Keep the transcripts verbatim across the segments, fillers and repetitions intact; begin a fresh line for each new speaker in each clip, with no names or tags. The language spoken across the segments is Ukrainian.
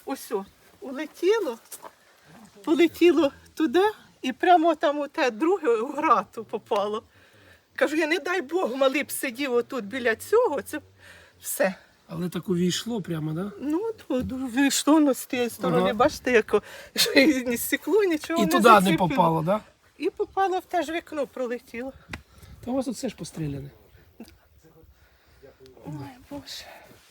ось о, улетіло, полетіло туди і прямо там у те друге у грату попало. Кажу, я не дай Бог, малий б сидів отут біля цього, це все.
Але так увійшло прямо, да?
Ну, от вийшло воно з тієї сторони,
Ага.
бачите, як що і ні стекло, нічого
І
не
туди не
заціпило.
попало, да?
І попало в те ж вікно, пролетіло.
Та у вас тут все ж постріляне.
Ой, Боже.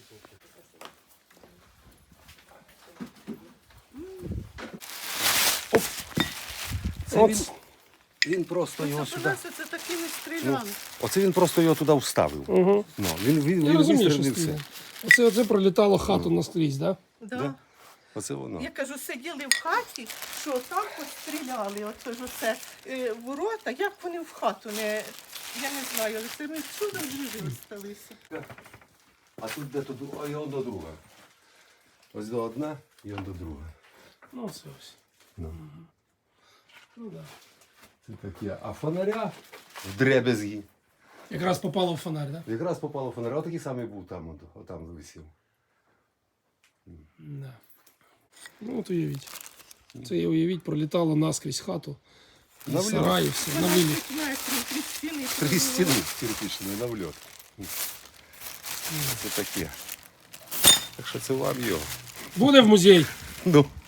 Це
От.
він, він просто його
Це
сюди.
нас це такими стрілями.
Оце він просто його туди вставив.
Угу.
Ну, він він,
Я
він
розумію, що
вистрілив
стріляне.
все.
Оце, оце пролітало хату наскрізь, да?
Да.
Да? Оце воно.
Я кажу, сиділи в хаті, що там постріляли, оце ж оце е, ворота, як вони в хату не, я не знаю, але це ми чудом живі залишилися.
А тут де тут, а і он до друга. Ось до одна і он до друга.
Ну, це ось.
Ну.
Ну, да.
Це таке. А фонаря в дребезгі.
Якраз попало в фонарь, да?
Якраз попало в фонаря. Отакий самий був там, от, отам висів.
Да. Ну, от уявіть. Це і уявіть, пролітало наскрізь хату.
На
І сараї, все, на виліт.
метрів, три стіни.
Три стіни кирпичні на вльот. Це таке. Так що це вам його.
Буде в музей.
Ну.